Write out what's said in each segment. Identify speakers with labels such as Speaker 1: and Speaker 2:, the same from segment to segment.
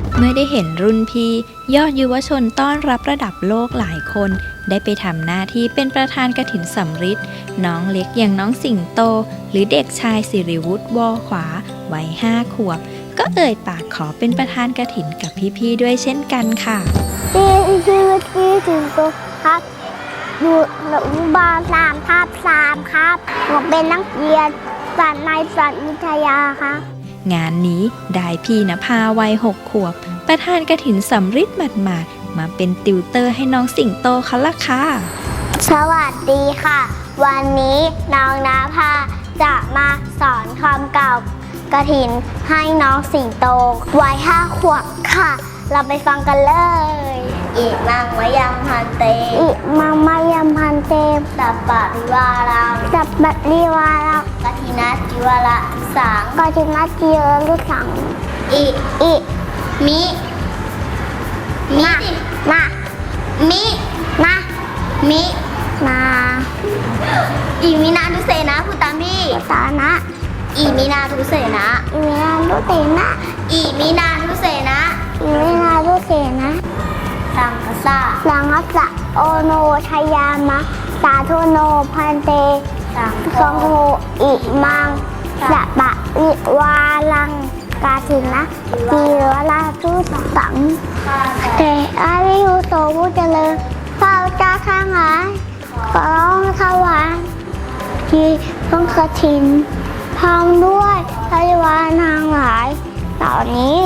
Speaker 1: เมื่อได้เห็นรุ่นพี่ยอดยุวชนต้อนรับระดับโลกหลายคนได้ไปทำหน้าที่เป็นประธานกฐินสำริดน้องเล็กอย่างน้องสิงโตหรือเด็กชายสิริวุฒิวอขวาวัย5 ขวบก็เอ่ยปากขอเป็นประธานกฐินกับพี่ๆด้วยเช่นกันค่ะ
Speaker 2: ชื่อที่สิงโตครับอยู่อนุบาล3/3ครับหนูเป็นนักเรียนสัตว์ในสัตว์วิทยาครับ
Speaker 1: งานนี้ได้พี่ณภาวัย6 ขวบประธานกฐินสำริดหมาดๆมาเป็นติวเตอร์ให้น้องสิงโตเขาละค่ะ
Speaker 2: สวัสดีค่ะวันนี้น้องณภาจะมาสอนคำเก่ากฐินให้น้องสิงโตวัย5 ขวบค่ะเราไปฟังกันเลยอิมังมะยังพันเตอิมังมะยังพันเตสัปปะริวารังสัปปะริวารังกฐินาจิวระสังกฐินาจิวระสังอิมิมามิมาอิมินาทุเสนะพูดตามพี่ตานะอิมินาทุเสนะอิมินาทุเสนะอิมินาทุเสนะอิมินาทุเสนะสังฆสะโอโนชยามะสาธุโนพันเตสังโฆอิมังสัปปะริวารังกฐินะจิวระทุสังแต่อาริยุโตผู้เจริญข้าเจ้าข้างหลายขอร้องถวายที่ต้องกฐินพร้อมด้วยบริวารทั้งหลายเหล่านี้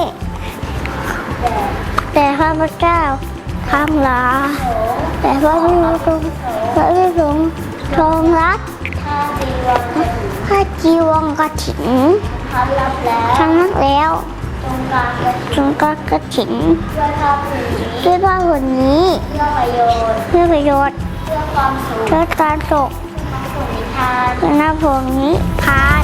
Speaker 2: แต่ข้าพเจ้าทั้งหลายแต่พระพิสุงฆ์ทรงรับพระจีวรกฐินทั้งนั้นแล้วจงการกฐินด้วยผ้าผืนนี้เพื่อประโยชน์เพื่อการสุขเพื่อนาภพนิพพาน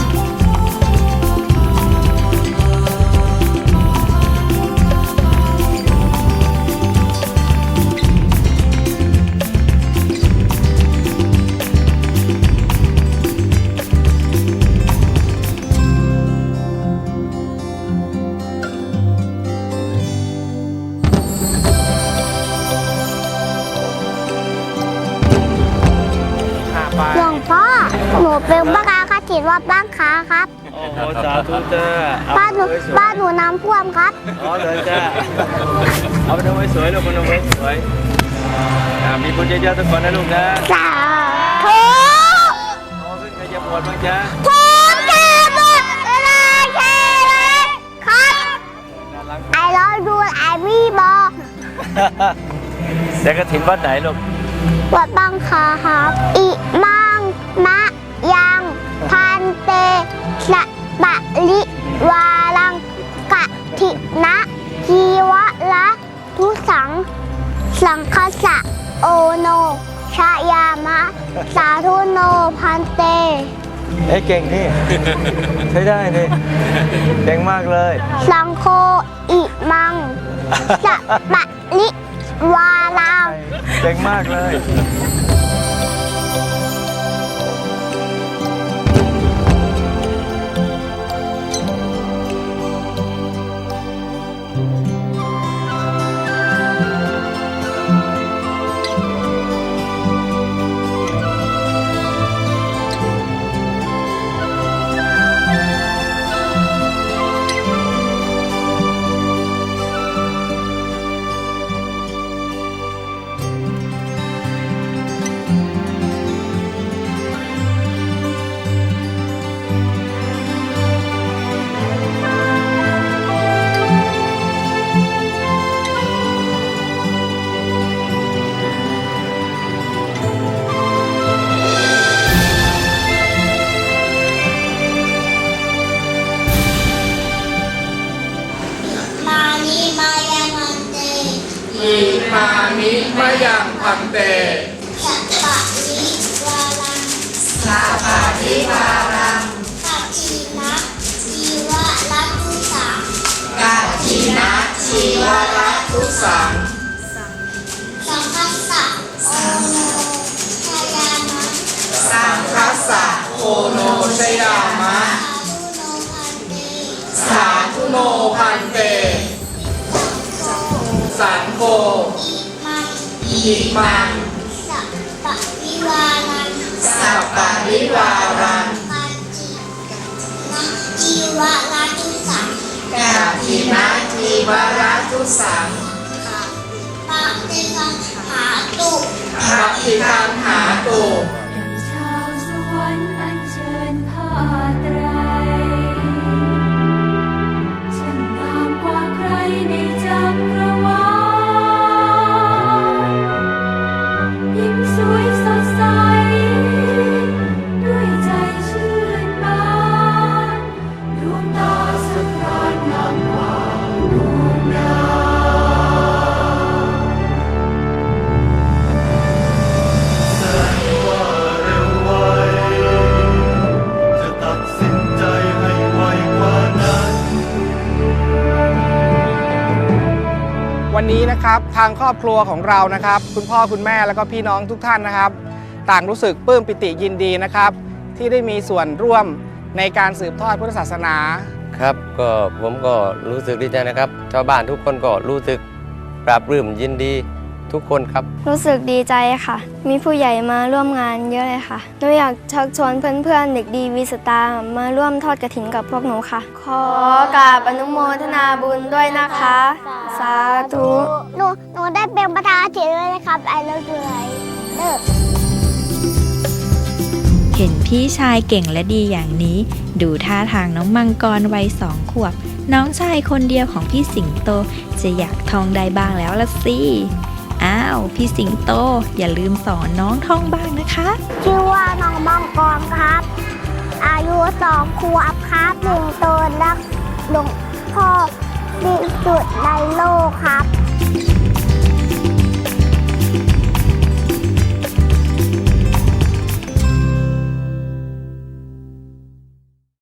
Speaker 2: หลวงพ่อหนูเป็นบ้ากากฐินวัดบ้างค้าครับ
Speaker 3: โอ้โหสาธุจ้า
Speaker 2: บ้านหนูน้ำท่วมครับ
Speaker 3: อ๋อเลยจ้าเอาไปทำไว้สวยลูกมันทำไว้สวยมีบุญเยอะๆทุกคนนะลูกนะ
Speaker 2: สาธุ
Speaker 3: โอ้ขึ้นใครจะบวชบ้างจ้า
Speaker 2: ทุกแก่หมดเลยแค่เลยครับไอรอนดูไอวี่บอก
Speaker 3: แต่กฐินวัดไหนลูก
Speaker 2: วัดบางคาครับอิมังมะยังพันเตสัปปะริวารังกฐินะจีวระทุสังสังฆสะโอโนชยามะสาธุโนพันเต
Speaker 3: เก่งนี่ใช้ได้นี่เก่งมากเลย
Speaker 2: สังโฆอิมังสัปปะริวารัง
Speaker 3: เก่งมากเลย
Speaker 4: มามิมะยังพันเต
Speaker 2: สัปปะริวารัง
Speaker 4: สัปปะริวารัง
Speaker 2: กฐินะจีวระทุสัง
Speaker 4: กฐินะจีวระทุสัง
Speaker 2: สังฆสะโอโนชยามะ
Speaker 4: สังฆสะโอโนชยามะสาธุโนพันเตโกอิมัง
Speaker 2: สัพปะวิวารัง
Speaker 4: สัพปะริวารัง
Speaker 2: ปัจจินะจีวะราชุสัง
Speaker 4: กาทินาทีวราทุสัง
Speaker 2: ปะเตกังหาตุ
Speaker 4: ภะทิคังหาตุ
Speaker 5: ชาวสวรรค์อัญเชิญผ้าไตรช่างงามกว่าใครในจักรวาลยิ้มสวยสดใสด้วยใจชื่นบานดวงตาสะพรานงามกว่าดวงดาว
Speaker 6: จะตัดสินใจให้ไวกว่านั้น
Speaker 7: วันนี้นะครับทางครอบครัวของเรานะครับคุณพ่อคุณแม่แล้วก็พี่น้องทุกท่านนะครับ ต่างรู้สึกปลื้มปิติยินดีนะครับ ที่ได้มีส่วนร่วมในการสืบทอดพุทธศาสนา
Speaker 3: ครับก็ผมก็รู้สึกดีใจนะครับชาวบ้านทุกคนก็รู้สึกปราบปลื้มยินดีทุกคนครับ
Speaker 8: รู้สึกดีใจค่ะ มีผู้ใหญ่มาร่วมงานเยอะเลยค่ะหนูอยากชักชวนเพื่อนๆเด็กดีวีสตาร์มาร่วมทอดกฐินกับพวกหนูค่ะ ขอกราบอนุโมทนาบุญด้วยนะคะ สาธุ
Speaker 2: หนูได้เป็นประธานเฉยเลยนะครับไอเลิฟยูไลเลิก
Speaker 1: เห็นพี่ชายเก่งและดีอย่างนี้ ดูท่าทางน้องมังกรวัย2 ขวบ น้องชายคนเดียวของพี่สิงโตจะอยากท่องได้บ้างแล้วละสิ อ้าวพี่สิงโตอย่าลืมสอนน้องท่องบ้างนะคะ
Speaker 2: ชื่อว่าน้องมังกรครับ อายุ2 ขวบครับหนึ่งตัวรักหลวงพ่อที่สุดในโลกครับ